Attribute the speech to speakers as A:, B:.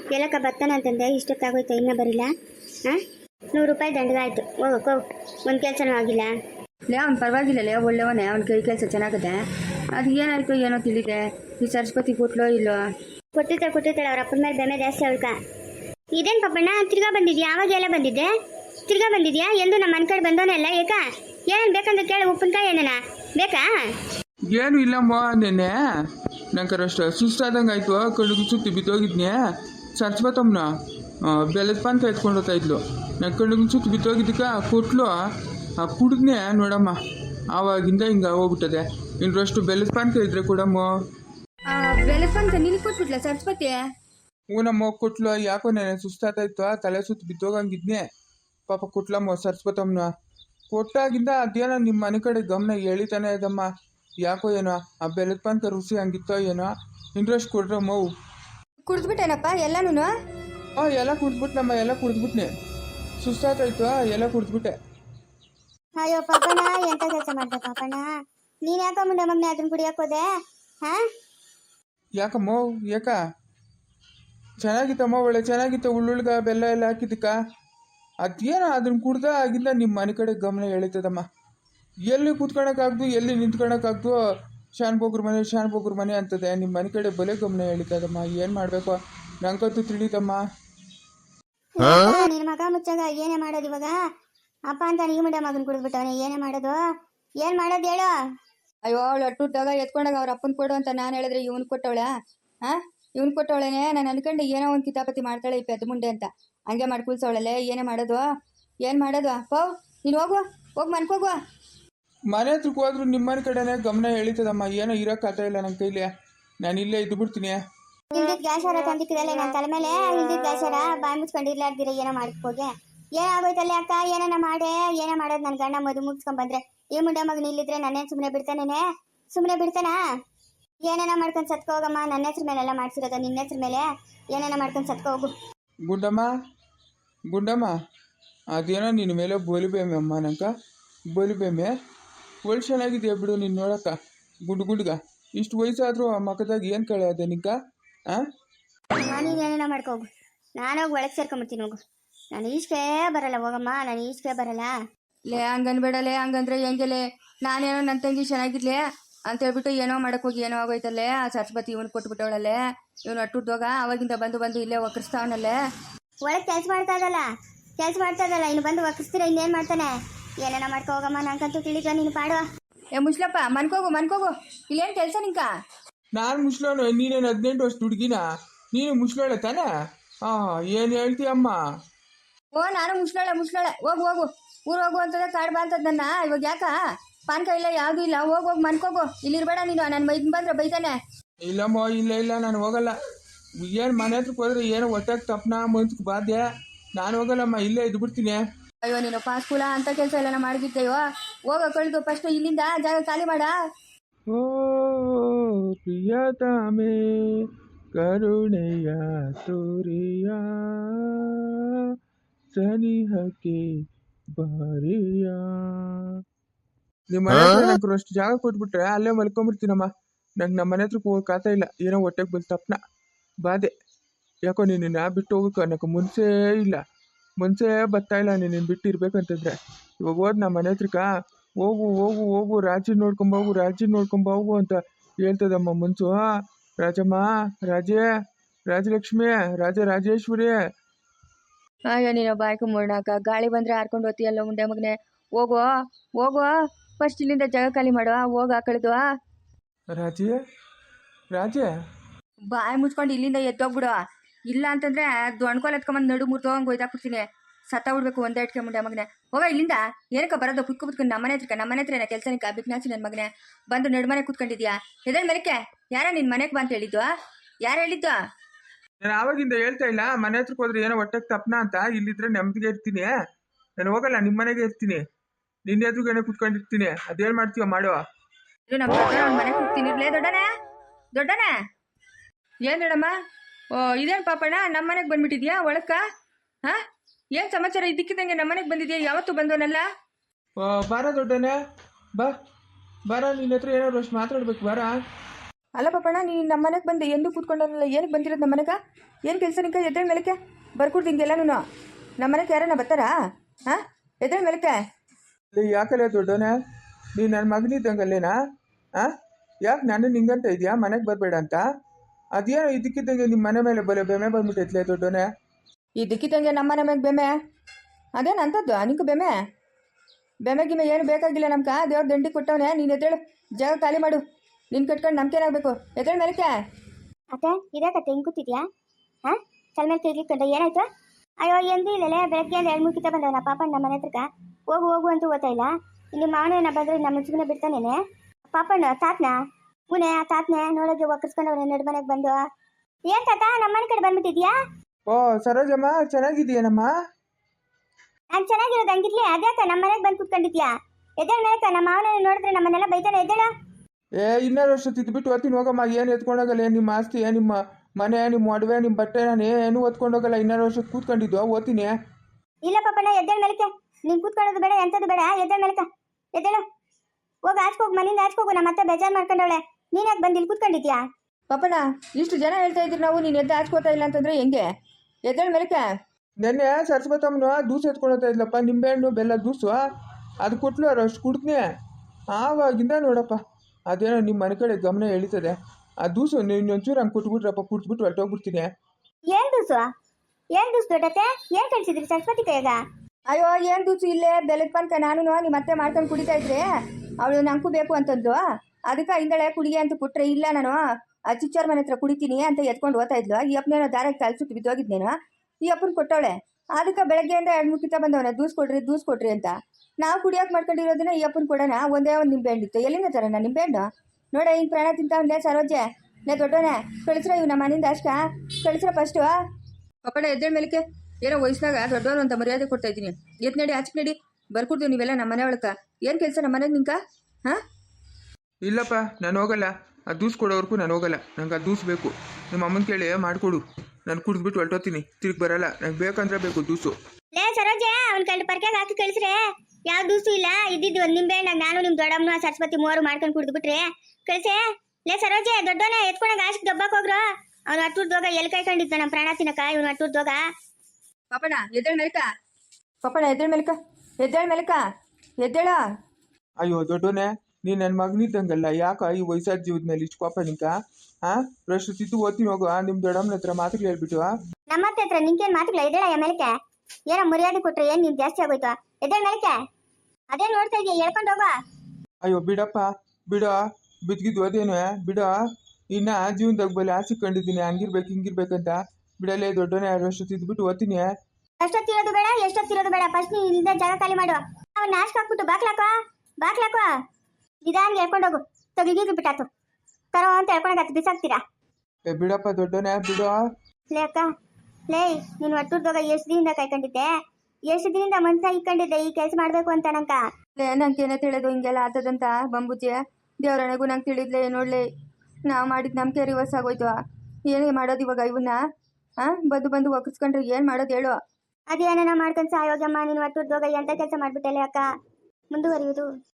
A: ಎಲ್ಲಕ್ಕ ಬರ್ತಾನೆ ಅಂತಂದೆ, ಇಷ್ಟೊತ್ತಾಗೋಯ್ತು ಇನ್ನೂ ಬರಿಲ್ಲ. ಹಾಂ, 100 ರೂಪಾಯಿ ದಂಡಗಾಯ್ತು. ಹೋಗಕ್ಕೋ, ಒಂದು ಕೆಲಸನೂ ಆಗಿಲ್ಲ.
B: ಲೇ ಅವ್ನು ಪರವಾಗಿಲ್ಲಲೇ, ಒಳ್ಳೆಯವನೇ, ಅವ್ನ ಕೈ ಕೆಲಸ ಚೆನ್ನಾಗದೆ. ಅದು ಏನಾಯ್ತು ಏನೋ ತಿಳಿದೆ. ಈ ಸರಸ್ವತಿ ಕೊಟ್ಲೋ ಇಲ್ಲೋ?
A: ಕೊಟ್ಟಿರ್ತಾಳೆ ಅವ್ರ ಅಪ್ಪನ ಮೇಲೆ ಬೆಮೆ ಜಾಸ್ತಿ ಅವಳ್ಕ. ಇದೇನು ಪಾಪಣ್ಣ ತಿರ್ಗಾ ಬಂದಿದ್ಯಾ? ಅವಾಗೆಲ್ಲ ಬಂದಿದ್ದೆ, ತಿರ್ಗಾ ಬಂದಿದ್ಯಾ? ಎಂದು ನಮ್ಮ ಮನೆ ಕಡೆ ಬಂದವನೆಲ್ಲ ಏಕ ಏನೇನು ಬೇಕಂತ ಕೇಳಿ, ಉಪ್ಪಿನಕಾಯಿ ಏನೇನ ಬೇಕಾ?
C: ಏನು ಇಲ್ಲಮ್ಮ, ನೆನ್ನೆ ನಂಗೆ ಅಷ್ಟು ಸುಸ್ತಾದಂಗೆ ಆಯಿತು. ಕಣ್ಣಿಗೆ ಸುತ್ತಿ ಬಿತ್ತೋಗಿದ್ನೆ. ಸರಸ್ವತಮ್ಮನ ಬೆಲ್ಲದ ಪಾನ್ಕ ಎತ್ಕೊಂಡು ಹೋಗ್ತಾ ಇದ್ಲು. ನನ್ನ ಕಣ್ಣಿಗೆ ಸುತ್ತಿ ಬಿತ್ತೋಗಿದ್ದಕ್ಕೆ ಕೊಟ್ಲು, ಕುಡಿದ್ನೆ ನೋಡಮ್ಮ. ಆವಾಗಿಂದ ಹಿಂಗೆ ಹೋಗ್ಬಿಟ್ಟದೆ. ಇನ್ನಷ್ಟು ಬೆಲ್ಲದ ಪಾನ್ಕ ಇದ್ರೆ ಕೊಡಮ್ಮ.
B: ಬೆಲ್ಲದ ಪಾನ್ಕ ನಿನಗೆ ಕೊಟ್ಬಿಟ್ಲ ಸರಸ್ವತಿ?
C: ಹೂನಮ್ಮ ಕೊಟ್ಲು. ಯಾಕೋ ನೆನೆ ಸುಸ್ತಾಗ್ತಾಯಿತ್ತು, ತಲೆ ಸುತ್ತ ಬಿತ್ತೋಗಂಗಿದ್ನೆ. ಪಾಪ ಕೊಟ್ಲಮ್ಮ ಸರಸ್ವತಮ್ಮನ. ಕೊಟ್ಟಾಗಿಂದ ಅದೇನೋ ನಿಮ್ಮ ಮನೆ ಕಡೆ ಗಮನ ಎಳಿತಾನೆ ಇದಮ್ಮ. ಯಾಕೋ ಏನೋ ಆ ಬೆಲ್ಲದ ಪಾನ್ಕ ರುಚಿ ಹಂಗಿತ್ತೋ ಏನೋ. ಇಂಟ್ರೆಸ್ಟ್ ಕೊಡ್ರಮ್ಮ.
B: ಕುಡಿದ್ಬಿಟ್ಟೇನಪ್ಪ ಎಲ್ಲನೂ?
C: ಎಲ್ಲ ಕುಡಿದ್ಬಿಟ್ನಮ್ಮ, ಎಲ್ಲ ಕುಡಿದ್ಬಿಟ್ನೆ. ಸುಸ್ತಾಯ್ತು, ಎಲ್ಲ ಕುಡಿದ್ಬಿಟ್ಟೆ.
A: ಅಯ್ಯೋ ಪಾಪಣ್ಣ, ಎಂತ ಕೆಲಸ ಮಾಡ್ದೆ ಪಾಪಣ್ಣ ನೀನು? ಯಾಕ ಮುಂಡೆ ಮಗನೆ ಅದನ್ನ ಕುಡಿಯಕ್ಕೆ ಹೋದೆ? ಹಾಂ,
C: ಯಾಕಮ್ಮ ಯಾಕ? ಚೆನ್ನಾಗಿತ್ತಮ್ಮ, ಒಳ್ಳೆ ಚೆನ್ನಾಗಿತ್ತು. ಉಳ್ಳುಳ್ಗ ಬೆಲ್ಲ ಎಲ್ಲ ಹಾಕಿದ್ದಕ್ಕ ಅದೇನೋ ಅದನ್ನ ಕುಡ್ದ ಆಗಿಂದ ನಿಮ್ಮ ಮನೆ ಕಡೆ ಗಮನ ಎಳಿತದಮ್ಮ. ಎಲ್ಲಿ ಕೂತ್ಕೊಳಕ್ಕಾಗ್ದು, ಎಲ್ಲಿ ನಿಂತ್ಕೊಳಕ್ಕಾಗ್ದು. ಶಾನ್ಬೋಗ್ರ ಮನೆ ಅಂತದೆ. ನಿಮ್ಮ ಮನೆ ಕಡೆ ಬಲೆ ಗಮನ ಎಳಿತದಮ್ಮ. ಏನು ಮಾಡಬೇಕು ನಂಗಂತೂ ತಿಳಿದಮ್ಮ.
A: ನಿನ್ನ ಮಗ ಮುಚ್ಚಾಗ ಏನೇ ಮಾಡೋದು ಇವಾಗ? ಅಪ್ಪ ಅಂತ ನೀವು ಮುಂಡೆ ಮಗನ ಕುಡಿದ್ಬಿಟ್ಟವನೇ, ಏನೇ ಮಾಡೋದು? ಏನು ಮಾಡೋದು ಹೇಳು?
B: ಅಯ್ಯೋ ಅವಳು ಅಟ್ಟುಟ್ಟಾಗ ಎತ್ಕೊಂಡಾಗ ಅವ್ರ ಅಪ್ಪನ ಕೊಡು ಅಂತ ನಾನು ಹೇಳಿದ್ರೆ ಇವನು ಕೊಟ್ಟವಳೆ. ಹಾಂ, ಇವನು ಕೊಟ್ಟವಳೇನೆ. ನಾನು ಅನ್ಕೊಂಡು ಏನೋ ಒಂದು ಕಿತಾಪತಿ ಮಾಡ್ತಾಳೆ ಈ ಪೆದ್ದ ಮುಂಡೆ ಅಂತ. ಹಂಗೆ ಮಾಡಿ ಕೂಲ್ಸವಳಲ್ಲೇ. ಏನೇ ಮಾಡೋದು? ಪೋ, ನೀನು ಹೋಗಿ ಮನ್ಕೋಗುವ.
C: ಮನೆ ಹತ್ರಕ್ಕೆ ಹೋದ್ರು ನಿಮ್ಮ ಮನೆ ಕಡೆನೇ ಗಮನ ಎಳಿತದಮ್ಮ. ಏನೋ ಇರೋಕ್ಕಾಗ್ತಾ ಇಲ್ಲ ನನ್ನ ಕೈಲಿ. ನಾನು ಇಲ್ಲೇ ಇದ್ದು ಬಿಡ್ತೀನಿ.
A: ಇಲ್ದಿದ್ ಗ್ಯಾಸಾರ ತಂದಿಕ್ಕಿದಲ್ಲ ನನ್ನ ತಲೆ ಮೇಲೆ. ಇಲ್ದಿದ್ ಗ್ಯಾಸಾರ ಬಾಯಿ ಮುಚ್ಕೊಂಡಿರ್ಲಾರ್ದಿರ ಏನೋ ಮಾಡ್ಕೋಗೆ. ಏನಾಗೋಯ್ತಲ್ಲ ಅಕ್ಕ? ಏನೇನ ಮಾಡೋದು? ನನ್ನ ಗಂಡ ಮದು ಮುಗಿಸ್ಕೊಂಡ್ಬಂದ್ರೆ ಈ ಮುಂಡೆ ಮಗನ ಇಲ್ಲಿದ್ರೆ ನನ್ನೇನು ಸುಮ್ಮನೆ ಬಿಡ್ತಾನೇನೆ? ಸುಮ್ಮನೆ ಬಿಡ್ತಾನಾ? ಏನೇನ ಮಾಡ್ಕೊಂಡು ಸತ್ಕೋ ಹೋಗಮ್ಮ. ನನ್ನ ಹೆಸ್ರ ಮೇಲೆಲ್ಲ ಮಾಡ್ಸಿರೋದು, ನಿನ್ನ ಹೆಸ್ರ ಮೇಲೆ. ಏನೇನ ಮಾಡ್ಕೊಂಡು ಸತ್ಕೋ ಹೋಗು.
C: ಗುಂಡಮ್ಮ ಅದೇನೋ ನಿನ್ನ ಮೇಲೆ ಬೋಲಿಬೇಮೆ ಅಮ್ಮ. ನಂಕ ಬೋಲಿಬೇಮೆ ಒಳ್ಳೆ ಚೆನ್ನಾಗಿದೆಯಾ ಬಿಡು. ನೀನು ನೋಡಕ್ಕ ಗುಂಡ್ಗ ಇಷ್ಟು ವಯಸ್ಸಾದರೂ ಆ ಮಕ್ಕದಾಗ ಏನು ಕಳೆಯದೆ ನಿಂಕ?
A: ನೀನೇನೇನ ಮಾಡ್ಕೋ ಹೋಗು. ನಾನೋಗಿ ಒಳಗೆ ಸೇರ್ಕೊಂಬಿಡ್ತೀನಿ ಹೋಗು. ನಾನು ಈಸ್ಕೆ ಬರಲ್ಲ ಹೋಗಮ್ಮ, ನಾನು ಈಸ್ಕೆ ಬರಲ್ಲ.
B: ಲೇ ಹಂಗನ್ಬೇಡಲೇ, ಹಂಗಂದ್ರೆ ಹೆಂಗೆಲೆ? ನಾನೇನೋ ನನ್ನ ತಂಗಿ ಚೆನ್ನಾಗಿದ್ಲೆ ಅಂತ ಹೇಳ್ಬಿಟ್ಟು ಏನೋ ಮಾಡಕ್ ಹೋಗಿ ಏನೋ ಆಗೋಯ್ತಲ್ಲೇ. ಆ ಸರಸ್ವತಿ ಇವನು ಕೊಟ್ಬಿಟ್ಟವಳಲ್ಲೇ. ಇವನು ಅಟ್ಟುಟ್ಟೋಗ ಅವಾಗಿಂದ ಬಂದು ಇಲ್ಲೇ ಒಕ್ಕರಿಸ್ತಾವನಲ್ಲೇ.
A: ಒಳಗೆ ಕೆಲಸ ಮಾಡ್ತಾ ಇದ್ದಲ್ಲ ಇನ್ನು ಬಂದು ಒಕ್ಕರಿಸ್ತೀರ. ಇನ್ನೇನು ಮಾಡ್ತಾನೆ? ಏನೇನ ಮಾಡ್ಕೋ ಹೋಗಮ್ಮ. ನಂಗಂತೂ ತಿಳಿದ ನೀನು ಪಾಡುವ.
B: ಮುಸ್ಲಪ್ಪ ಮನ್ಕೋಗು. ಇಲ್ಲೇನು ಕೆಲಸ ನಿಂಕ?
C: ನಾನು ಮುಸ್ಲೋನು, ನೀನೇನು 18 ವರ್ಷದ ಹುಡುಗಿನ? ನೀನು ಮುಸ್ಲೋಳೆ ತಾನೆ? ಏನು ಹೇಳ್ತೀಯಮ್ಮ?
B: ಓ ನಾನು ಮುಸ್ಲಾಳೆ. ಹೋಗು ಊರು ಹೋಗು ಅಂತಂದ್ರೆ ಕಾಡು ಬಾ ಅಂತದ್ ನನ್ನ. ಇವಾಗ ಯಾಕ ಪಾನ್ಕ ಇಲ್ಲ, ಯಾವುದೂ ಇಲ್ಲ. ಹೋಗಿ ಮನ್ಕೋಗು. ಇಲ್ಲಿರ್ಬೇಡ ನೀನು. ನನ್ನ ಮೈದ್ ಬಂದ್ರೆ ಬೈತಾನೆ.
C: ಇಲ್ಲಮ್ಮ, ಇಲ್ಲ ನಾನು ಹೋಗಲ್ಲ. ಏನು ಮನೆ ಹತ್ರಕ್ಕೆ ಹೋದ್ರೆ ಏನೋ ಹೊಟ್ಟೆಗೆ ತಪ್ಪನ ಮನ್ಸಿಗೆ ಬಾಧ್ಯ. ನಾನು ಹೋಗಲ್ಲಮ್ಮ, ಇಲ್ಲೇ ಇದ್ದು ಬಿಡ್ತೀನಿ.
B: ಅಯ್ಯೋ ನೀನು ಪಾಸ್ಕೂಲ ಅಂತ ಕೆಲಸ ಎಲ್ಲ ಮಾಡಿದ್ದೆಯೋ. ಹೋಗ ಕಳೆದು ಫಸ್ಟ್ ಇಲ್ಲಿಂದ ಜಾಗ ಖಾಲಿ ಮಾಡ.
C: ಓ ಪ್ರಿಯತಮೆ ಕರುಣೆಯ ತೋರಿಯ ಸನಿಹಕ್ಕೆ ಬಾರಿಯ. ನಿಮ್ಮ ಮನೆ ಹತ್ರ ಅಷ್ಟು ಜಾಗ ಕೊಟ್ಬಿಟ್ರೆ ಅಲ್ಲೇ ಮಲ್ಕೊಂಬಿಡ್ತೀನಮ್ಮ. ನಂಗೆ ನಮ್ಮ ಮನೆ ಹತ್ರಕ್ಕೆ ಹೋಗಕ್ಕೆ ಆಗ್ತಾ ಇಲ್ಲ. ಏನೋ ಹೊಟ್ಟೆಗೆ ಬಂದು ತಪ್ಪನ ಬಾಧೆ. ಯಾಕೋ ನೀನು ಬಿಟ್ಟು ಹೋಗಕ್ಕೆ ಅನ್ನೋಕೆ ಮನ್ಸೇ ಬರ್ತಾ ಇಲ್ಲ. ನೀನು ಬಿಟ್ಟು ಇರ್ಬೇಕಂತಂದ್ರೆ ಇವಾಗ ಹೋದ್ ನಮ್ಮ ಮನೆ ಹತ್ರಕ್ಕ ಹೋಗು ರಾಜಿ ನೋಡ್ಕೊಂಬೋಗು ಅಂತ ಹೇಳ್ತದಮ್ಮ ಮನ್ಸು. ರಾಜಮ್ಮ, ರಾಜಲಕ್ಷ್ಮಿ, ರಾಜೇಶ್ವರಿ.
B: ಅಯ್ಯೋ ನೀನು ಬಾಯ್ಕು ಮೂರ್ನಾಕ ಗಾಳಿ ಬಂದರೆ ಹಾರ್ಕೊಂಡು ಹೋಗ್ತೀಯಲ್ಲ ಮುಂಡೆ ಮಗನೆ. ಹೋಗೋ ಫಸ್ಟ್ ಇಲ್ಲಿಂದ ಜಾಗ ಖಾಲಿ ಮಾಡುವ. ಹೋಗ ಕಳೆದು
C: ರಾಜೇ
B: ಬಾಯಿ ಮುಚ್ಕೊಂಡು ಇಲ್ಲಿಂದ ಎದ್ದೋಗ್ಬಿಡು. ಇಲ್ಲ ಅಂತಂದ್ರೆ ದೊಣ್ಕೋಲ್ ಎತ್ಕೊಂಬಂದು ನಡು ಮುರ್ದೋಗಂಗೆ ಒಯ್ದಾಕ್ಬಿಡ್ತೀನಿ. ಸತ್ತ ಬಿಡ್ಬೇಕು ಒಂದೇ ಇಟ್ಕೆ ಮುಂಡೆ ಮಗನೆ. ಹೋಗ ಇಲ್ಲಿಂದ. ಏನಕ್ಕ ಬರೋದು? ಕುತ್ಕೊಂಡು ನಮ್ಮನೆ ಹತ್ರ ಕೆಲಸ ನಿಂಕ ಬಿಕ್ನಾಸಿ ನನ್ನ ಮಗನೆ. ಬಂದು ನಡುಮನೆ ಕೂತ್ಕೊಂಡಿದ್ಯಾ? ಎದೇಳು ಮೇಲಕ್ಕೆ. ಯಾರ ನಿನ್ನ ಮನೆಗೆ ಬಂತ ಹೇಳಿದ್ದು? ಯಾರು ಹೇಳಿದ್ದು?
C: ನಾನು ಆವಾಗಿಂದ ಹೇಳ್ತಾ ಇಲ್ಲ ಮನೆ ಹತ್ರಕ್ಕೆ ಹೋದ್ರೆ ಏನೋ ಹೊಟ್ಟೆಗೆ ತಪ್ಪನ ಅಂತ. ಇಲ್ಲಿದ್ರೆ ನೆಮ್ಮದಿಗೆ ಇರ್ತೀನಿ. ನಾನು ಹೋಗಲ್ಲ, ನಿಮ್ಮ ಮನೆಗೆ ಇರ್ತೀನಿ. ನಿನ್ನ ಎದುರುಗೇನೆ ಕೂತ್ಕೊಂಡಿರ್ತೀನಿ. ಅದೇನು ಮಾಡ್ತೀವ ಮಾಡುವ.
B: ಇದು ನಮ್ಮ ಮನೆಗೆ ಕೂಗ್ತೀನಿ. ಇರ್ಲೇ ದೊಡ್ಡನೆ ಏನು ದೊಡ್ಡಮ್ಮ? ಇದೇನು ಪಾಪಣ್ಣ ನಮ್ಮ ಮನೆಗೆ ಬಂದ್ಬಿಟ್ಟಿದ್ಯಾ ಒಳಕ್ಕ? ಹಾಂ, ಏನು ಸಮಾಚಾರ? ಇದಕ್ಕಿದ್ದಂಗೆ ನಮ್ಮ ಮನೆಗೆ ಬಂದಿದ್ಯಾ? ಯಾವತ್ತೂ ಬಂದವನಲ್ಲ.
C: ಬಾರ ದೊಡ್ಡನೆ, ಬಾರ. ನಿನ್ನ ಹತ್ರ ಏನಾದ್ರು ಅಷ್ಟು ಮಾತಾಡ್ಬೇಕು. ಬಾರ.
B: ಅಲ್ಲ ಪಾಪಣ್ಣ ನೀನು ನಮ್ಮ ಮನೆಗೆ ಬಂದು ಎಂದು ಕೂತ್ಕೊಂಡಲ್ಲ ಏನಕ್ಕೆ ಬಂದಿರೋದು ನಮ್ಮ ಮನೆಗೆ ಏನು ಕೆಲಸ ನಿಂಕ ಎದ್ದೇಳ ಮೇಲಕ್ಕೆ ಬರ್ಕೊಡ್ದು ಹಿಂಗೆಲ್ಲನೂ ನಮ್ಮ ಮನೆಗೆ ಯಾರನ್ನ ಬರ್ತಾರಾ ಹಾಂ ಎದ್ದೇಳ ಮೇಲಕ್ಕೆ
C: ಯಾಕಲ್ಲ ದೊಡ್ಡವನೇ ನೀನು ನನ್ನ ಮಗನಿದ್ದಂಗಲ್ಲೇನಾ ಹಾಂ ಯಾಕೆ ನಾನು ನಿಂಗಂತ ಇದೆಯಾ ಮನೆಗೆ ಬರಬೇಡ ಅಂತ ಅದೇನೋ ಇದಕ್ಕಿದ್ದಂಗೆ ನಿಮ್ಮ ಮನೆ ಮೇಲೆ ಬಲೆ ಬೆಮೆ ಬಂದ್ಬಿಟ್ಟೈತ್ಲೆ ದೊಡ್ಡವನೇ
B: ಇದಕ್ಕಿದ್ದಂಗೆ ನಮ್ಮ ಮನೆ ಮ್ಯಾಗ ಬೆಮೆ ಅದೇನು ಅಂಥದ್ದು ನಿಂಕು ಬೆಮೆ ಬೆಮೆ ಗಿಮೆ ಏನು ಬೇಕಾಗಿಲ್ಲ ನಮ್ಗೆ ದೇವ್ರ ದಂಡಿ ಕೊಟ್ಟವನೇ ನೀನು ಎದ್ದೇಳು ಜಾಗ ಖಾಲಿ ಮಾಡು ನಿನ್ನ ಕಟ್ಕೊಂಡು ನಮ್ಗೇನಾಗಬೇಕು ಎದ್ದೇಳ ಮೇಲಕ್ಕೆ
A: ಅತ್ತೆ ಇದಾಕತ್ತೆ ಹಿಂಗೆ ಕೂತಿದ್ಯಾ ಹಾಂ ತಲೆ ಮೇಲೆ ತೆಗಿಕೊಂಡು ಏನಾಯ್ತು ಅಯ್ಯೋ ಎಂದೂ ಇಲ್ಲಲೇ ಬೆಳಗ್ಗೆ ಒಂದು 2-3 ಕಿತ ಬಂದವನ ಪಾಪ ನಮ್ಮ ಮನೆ ಹತ್ರಕ್ಕ ಹೋಗು ಹೋಗು ಅಂತೂ ಓದ್ತಾ ಇಲ್ಲ ಇಲ್ಲಿ ಮಾವನ ಬಂದರೆ ನಮ್ಮ ಸುಮ್ಮನೆ ಬಿಡ್ತಾನೇನೆ ಪಾಪಣ್ಣ ತಾತನ ಮುನೆ ಆ ತಾತನೆ ನೋಡೋಕೆ ಒಕ್ಕರ್ಸ್ಕೊಂಡವ್ರೆ ನಡು ಮನೆಗೆ ಬಂದು ಏನ್ ತಾತ ನಮ್ಮ ಮನೆ ಕಡೆ ಬಂದ್ಬಿಟ್ಟಿದ್ಯಾ
C: ಓ ಸರೋಜಮ್ಮ ಚೆನ್ನಾಗಿದೆಯೇನಮ್ಮ
A: ನಾನು ಚೆನ್ನಾಗಿರೋದು ಹಂಗಿರ್ಲಿ ಅದ್ಯಾಕ ನಮ್ಮ ಮನೆಗೆ ಬಂದು ಕೂತ್ಕೊಂಡಿದ್ಯಾ ಎದ್ದೇಳ ಮೇಲಕ್ಕ ನಮ್ಮ ಮಾವನ ನೋಡಿದ್ರೆ ನಮ್ಮನ್ನೆಲ್ಲ ಬೈತಾನೆ ಎದ್ದೇಳ
C: ಇನ್ನೂರು ವರ್ಷ ತಿದ್ಬಿಟ್ಟು ಓದ್ತೀನಿ ಹೋಗಮ್ಮ ಏನು ಎತ್ಕೊಂಡೋಗಲ್ಲ ನಿಮ್ಮ ಆಸ್ತಿ ನಿಮ್ಮ ಮನೆ ನಿಮ್ಮ ಒಡವೆ ನಿಮ್ಮ ಬಟ್ಟೆ ನಾನು ಏನು ಓದ್ಕೊಂಡೋಗಲ್ಲ ಇನ್ನೂರು ವರ್ಷ ಕೂತ್ಕೊಂಡಿದ್ದು ಓದ್ತೀನಿ
A: ಇಲ್ಲ ಪಾಪಣ್ಣ ಎದ್ದೇಳ ಮೇಲಕ್ಕೆ ನೀನ್ ಕೂತ್ಕೊಳ್ಳೋದು ಬೇಡ ಎಂಥದ್ದು ಬೇಡ ಎದ್ದೇಳ ಮೇಲಕ್ಕ ಎದ್ದೇಳು ಹೋಗಿ ಆಚ್ಕೋಗು ಮನೆಯಿಂದ ಆಚ್ಕೋಗು ನಮ್ಮ ಅತ್ತೆ ಬೇಜಾರು ಮಾಡ್ಕೊಂಡವಳೆ ನೀನ್ ಯಾಕೆ ಬಂದು ಇಲ್ಲಿ ಕೂತ್ಕೊಂಡಿದ್ಯಾ
B: ಪಾಪಣ್ಣ ಇಷ್ಟು ಜನ ಹೇಳ್ತಾ ಇದ್ದೀರಿ ನಾವು ನೀನು ಎದ್ದು ಹಾಚ್ಕೋತಾ ಇಲ್ಲ ಅಂತಂದ್ರೆ ಹೆಂಗೆ ಎದ್ದೇಳ ಮೇಲಕ್ಕೆ
C: ನೆನ್ನೆ ಸರಸ್ವತಮ್ಮನ ದೂಸು ಎತ್ಕೊಳ್ತಾ ಇದ್ಲಪ್ಪ ನಿಂಬೆಹಣ್ಣು ಬೆಲ್ಲ ದೂಸು ಅದು ಕೊಟ್ಲು ಅವ್ರು ಅಷ್ಟು ಕುಡ್ತೀನಿ ಆವಾಗಿಂದ ನೋಡಪ್ಪ ಅದೇನೋ ನಿಮ್ಮ ಮನೆ ಕಡೆ ಗಮನ ಎಳೀತದೆ ಆ ದೂಸು ಇನ್ನೊಂಚೂರು ಹಂಗೆ ಕೊಟ್ಬಿಟ್ರಪ್ಪ ಕುಡ್ಸ್ಬಿಟ್ಟು ಹೊರಟೋಗ್ಬಿಡ್ತೀನಿ
A: ಏನ್ ದೂಸು ದೊಡ್ಡತ್ತೆ ಏನ್ ಕಳ್ಸಿದ್ರಿ ಸರಸ್ವತಿ ಕೈಯಾಗ
B: ಅಯ್ಯೋ ಏನು ದೂಸು ಇಲ್ಲೇ ಬೆಲ್ಲದ ಪಾನ್ಕ ನಾನು ನಿಮ್ಮ ಮತ್ತೆ ಮಾಡ್ಕೊಂಡು ಕುಡಿತಾ ಇದ್ರೆ ಅವಳು ನಂಗೂ ಬೇಕು ಅಂತಂದು ಅದಕ್ಕೆ ಹಿಂದಳೆ ಕುಡಿಗೆ ಅಂತ ಕೊಟ್ರೆ ಇಲ್ಲ ನಾನು ಆ ಚಿಚ್ಚೋರ್ ಮನೆ ಹತ್ರ ಕುಡಿತೀನಿ ಅಂತ ಎತ್ಕೊಂಡು ಓದ್ತಾ ಇದ್ಲು ಈ ಅಪ್ಪನೇನೋ ದಾರಕ್ಕೆ ಕಲ್ಸುಟ್ಟು ಬಿದ್ದೋಗಿದ್ನೇನೋ ಈ ಅಪ್ಪನ ಕೊಟ್ಟವಳೆ ಅದಕ್ಕೆ ಬೆಳಗ್ಗೆಯಿಂದ 2-3 ಕಿತ ಬಂದವನ ದೂಸ್ ಕೊಡ್ರಿ ಅಂತ ನಾವು ಕುಡಿಯೋಕೆ ಮಾಡ್ಕೊಂಡಿರೋದನ್ನ ಈ ಅಪ್ಪನ ಕೊಡೋಣ ಒಂದೇ ಒಂದು ನಿಂಬೆಹಣ್ಣು ಇತ್ತು ಎಲ್ಲಿಂದ ತರೋಣ ನಿಂಬೆಹಣ್ಣು ನೋಡ ಹಿಂಗೆ ಪ್ರಾಣ ತಿಂತಾವನ್ಲೇ ಸರೋಜೆ ಲೇ ದೊಡ್ಡವನೇ ಕಳಿಸ್ರ ಇವ್ ನಮ್ಮ ಮನೆಯಿಂದ ಅಷ್ಟ ಕಳಿಸ್ರ ಫಸ್ಟು ಪಪ್ಪಡ ಎದ್ದೇಳ ಮೇಲಕ್ಕೆ ಏನೋ ವಯಸ್ಸಾಗ ದೊಡ್ಡವನು ಅಂತ ಮರ್ಯಾದೆ ಕೊಡ್ತಾ ಇದ್ದೀನಿ ಎತ್ ನಡಿ ಆಚೆ ನಡಿ ಬರ್ಕೊಡ್ತೀವಿ ನೀವೆಲ್ಲ ನಮ್ಮ ಮನೆ ಒಳಕ ಏನು ಕೆಲಸ ನಮ್ಮ ಮನೆಗೆ ನಿಂಕ ಹಾಂ
C: ಇಲ್ಲಪ್ಪ ನಾನು ಹೋಗಲ್ಲ ಆ ದೂಸು ಕೊಡೋವರೆಗೂ ನಾನು ಹೋಗಲ್ಲ ನಂಗೆ ಆ ದೂಸು ಬೇಕು ನಿಮ್ಮ ಅಮ್ಮನ ಕೇಳಿ ಮಾಡಿಕೊಡು ನಾನು ಕುಡಿದ್ಬಿಟ್ಟು ಹೊರಟೋತೀನಿ ತಿರುಗಿ ಬರಲ್ಲ ನಂಗೆ ಬೇಕಂದ್ರೆ ಬೇಕು ದೂಸು
A: ಲೇ ಸರೋಜೆ ಅವ್ನ ಕಳ್ಳಿ ಪರ್ಕೆಗೆ ಹಾಕಿ ಕಳಿಸ್ರೆ ಯಾವ ದೂಸು ಇಲ್ಲ ಇದ್ದಿದ್ದು ಒಂದು ನಿಂಬೆಹಣ್ಣಾಗ ನಾನು ನಿಮ್ಮ ದೊಡ್ಡಮ್ಮನ ಸರಸ್ವತಿ ಮೂವರು ಮಾಡ್ಕೊಂಡು ಕುಡಿದ್ಬಿಟ್ರೆ ಕಳಿಸೆ ಲೇ ಸರೋಜೆ ದೊಡ್ಡವನ ಎತ್ಕೊಂಡಾಗ ಆಶಕ್ಕೆ ದಬ್ಬಕ್ಕೆ ಹೋಗ್ರು ಅವ್ನು ಅಟ್ಟೂರ್ದೋಗ ಎಲ್ಲಿ ಕೈಕೊಂಡಿದ್ದ ನಮ್ಮ ಪ್ರಾಣ ತಿನ್ನಕ ಇವ್ನು ಅಟ್ಟೂರ್ದೋಗ
B: ಪಾಪಣ್ಣ ಎದ್ದೇಳ ಮೇಲಕ ಪಾಪಣ್ಣ ಎದ್ದೇಳ ಮೇಲಕ ಎದ್ದೇಳ ಮೇಲಕ ಎದ್ದೇಳ
C: ಅಯ್ಯೋ ದೊಡ್ಡವನೇ ನೀನು ನನ್ನ ಮಗನಿದ್ದಂಗಲ್ಲ ಯಾಕ ಈ ವಯಸ್ಸಾದ ಜೀವದ ಮೇಲೆ ಇಷ್ಟು ಕೋಪ ನಿಂಕ ಹಾಂ ಪ್ರಶ್ನೆ ತಿದ್ದು ಓದ್ತೀನಿ ಹೋಗು ನಿಮ್ಮ ದೊಡ್ಡಮ್ಮನ ಹತ್ರ ಮಾತುಗಳು ಹೇಳ್ಬಿಟ್ಟು
A: ನಮ್ಮ ಅತ್ತೆ ಹತ್ರ ನಿಂಕೇನು ಮಾತುಗಳ ಎದ್ದೇಳ ಮೇಲಕ್ಕೆ ಏನೋ ಮರ್ಯಾದೆ ಕೊಟ್ರೆ ಏನು ನೀನು ಜಾಸ್ತಿ ಆಗೋಯ್ತು ಎದ್ದೇಳ ಮೇಲಕ್ಕೆ ಅದೇ ನೋಡ್ತಾ ಇದೆಯಾ ಹೇಳ್ಕೊಂಡು ಹೋಗ
C: ಅಯ್ಯೋ ಬಿಡಪ್ಪ ಬಿಡೋ ಬಿದ್ಗಿದ್ದು ಓದೇನು ಬಿಡೋ ಇನ್ನ ಜೀವನದಾಗ ಬಲ್ಲಿ ಆಸೆ ಕಂಡಿದ್ದೀನಿ ಹಂಗಿರ್ಬೇಕು ಹಿಂಗಿರ್ಬೇಕಂತ ಬಿಡಲೇ ದೊಡ್ಡವನೇ ಅಷ್ಟು ತಿದ್ಬಿಟ್ಟು ಓದ್ತೀನಿ
A: ಎಷ್ಟೊತ್ತಿರೋದು ಬೇಡ ಎಷ್ಟೊತ್ತಿರೋದು ಬೇಡ ಫಸ್ಟ್ ನೀನು ಇಲ್ಲಿಂದ ಜಾಗ ಖಾಲಿ ಮಾಡು ಅವ್ನು ನಾಶಕ ಹಾಕ್ಬಿಟ್ಟು ಬಾಕ್ಲಾಕೋ ನಿಧಾನ ಹೇಳ್ಕೊಂಡೋಗು ತೆಗಿಗೀಗಿ ಬಿಟ್ಟಾತು ತರೋ ಅಂತ ಹೇಳ್ಕೊಂಡಾಗತ್ತು ಬಿಸಾಕ್ತೀರಾ
C: ಬಿಡಪ್ಪ ದೊಡ್ಡವನೇ ಬಿಡೋ
A: ಲೇ ಅಕ್ಕ ಲೇ ನೀನು ಒಟ್ಟೂರ್ದೋಗ ಎಷ್ಟು ದಿನದಿಂದ ಕಾಯ್ಕೊಂಡಿದ್ದೆ ಎಷ್ಟು ದಿನದಿಂದ ಮನ್ಸಾಗ ಇಕ್ಕೊಂಡಿದ್ದೆ ಈ ಕೆಲಸ ಮಾಡಬೇಕು ಅಂತ ನಂಕ
B: ನಂಗೆ ಏನೇ ತಿಳಿದು ಹಿಂಗೆಲ್ಲ ಆತದಂತ ಬಂಬುಜಿ ದೇವ್ರಣೆಗೂ ನಂಗೆ ತಿಳಿದ್ಲೆ ನೋಡ್ಲಿ ನಾವು ಮಾಡಿದ ನಂಬಿಕೆ ರಿವರ್ಸ್ ಆಗೋಯ್ತು ಏನೇ ಮಾಡೋದು ಇವಾಗ ಇವನ್ನ ಹಾಂ ಬಂದು ಒಕ್ಕರ್ಸ್ಕೊಂಡ್ರೆ ಏನು ಮಾಡೋದು ಹೇಳು
A: ಅದೇನೇನೋ ಮಾಡ್ಕೊಂಡು ಸಾಯೋಗಮ್ಮ ನೀನು ಒಟ್ಟೂರ್ದೋಗ ಎಂತ ಕೆಲಸ ಮಾಡ್ಬಿಟ್ಟಲೆ ಅಕ್ಕ ಮುಂದುವರಿಯುವುದು